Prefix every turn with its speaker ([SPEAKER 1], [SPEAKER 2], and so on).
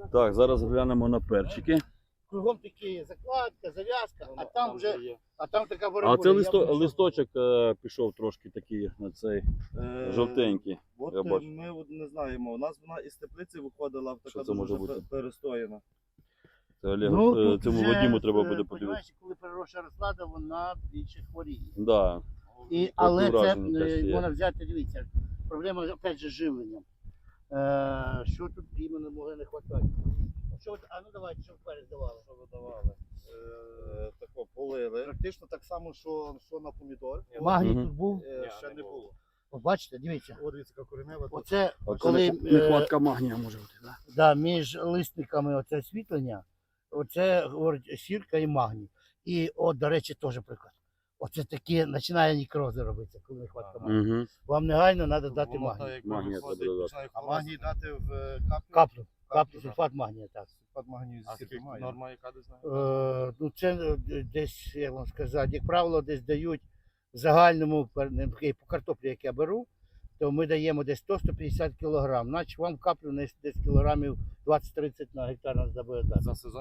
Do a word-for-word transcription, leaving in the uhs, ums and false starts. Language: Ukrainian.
[SPEAKER 1] Так, зараз глянемо на перчики.
[SPEAKER 2] Кругом такі закладка, зав'язка, а там вже, а там така
[SPEAKER 1] А
[SPEAKER 2] боротьба.
[SPEAKER 1] це листо, листочок е, пішов трошки такий на цей
[SPEAKER 3] Е,
[SPEAKER 1] жовтенький.
[SPEAKER 3] От
[SPEAKER 1] я
[SPEAKER 3] е,
[SPEAKER 1] бачу.
[SPEAKER 3] ми от не знаємо. У нас вона із теплиці виходила,
[SPEAKER 1] Що
[SPEAKER 3] така
[SPEAKER 1] це може
[SPEAKER 3] дуже
[SPEAKER 1] бути?
[SPEAKER 3] пе- перестояна.
[SPEAKER 1] Це Олег,
[SPEAKER 2] Ну,
[SPEAKER 1] е,
[SPEAKER 2] тут
[SPEAKER 1] цьому
[SPEAKER 2] вже,
[SPEAKER 1] Вадиму треба
[SPEAKER 2] е,
[SPEAKER 1] буде подивитися.
[SPEAKER 2] понімаєш, коли переросша розклада, вона більше хворіє.
[SPEAKER 1] Да.
[SPEAKER 2] І, але це
[SPEAKER 1] враження теж
[SPEAKER 2] е,
[SPEAKER 1] є.
[SPEAKER 2] можна взяти, дивіться, проблема опять же з живленням. Е, що тут іменно може не вистачати? Що, от- а ну давайте, що вперед давали.
[SPEAKER 3] Що видавали? Е, тако полили. Практично так само, що, що на помідор.
[SPEAKER 2] Магній
[SPEAKER 1] Мгм.
[SPEAKER 2] тут був.
[SPEAKER 3] Е, ще не було.
[SPEAKER 2] От бачите, дивіться.
[SPEAKER 3] О, дивіться, яка коренева. тут.
[SPEAKER 2] Оце
[SPEAKER 1] Оце
[SPEAKER 2] коли
[SPEAKER 1] не-
[SPEAKER 2] е,
[SPEAKER 1] нехватка магнія може бути. Да?
[SPEAKER 2] да, між лисниками оце освітлення, оце говорить сірка і магній. І от, до речі, теж приклад. Оце такі починає нікрози робитися, коли нехватка магнію.
[SPEAKER 1] Угу.
[SPEAKER 2] Вам негайно треба дати
[SPEAKER 3] Воно
[SPEAKER 2] магній.
[SPEAKER 3] так, як
[SPEAKER 1] Магнія
[SPEAKER 3] виходить,
[SPEAKER 1] треба додати.
[SPEAKER 3] починає А магній дати в е, каплю?
[SPEAKER 2] Каплю, каплю,
[SPEAKER 3] так.
[SPEAKER 2] сульфат магнія, так.
[SPEAKER 3] Сульфат магнію
[SPEAKER 4] А
[SPEAKER 3] зі
[SPEAKER 4] скільки
[SPEAKER 3] має.
[SPEAKER 4] норма яка десь знає?
[SPEAKER 2] Е, ну це е, десь, як вам сказати, як правило, десь дають в загальному пер- не, окей, по картоплі, як я беру, то ми даємо десь сто - сто п'ятдесят кілограм. Значить вам каплю десь десь кілограмів двадцять - тридцять на гектар треба буде дати.
[SPEAKER 4] За сезон?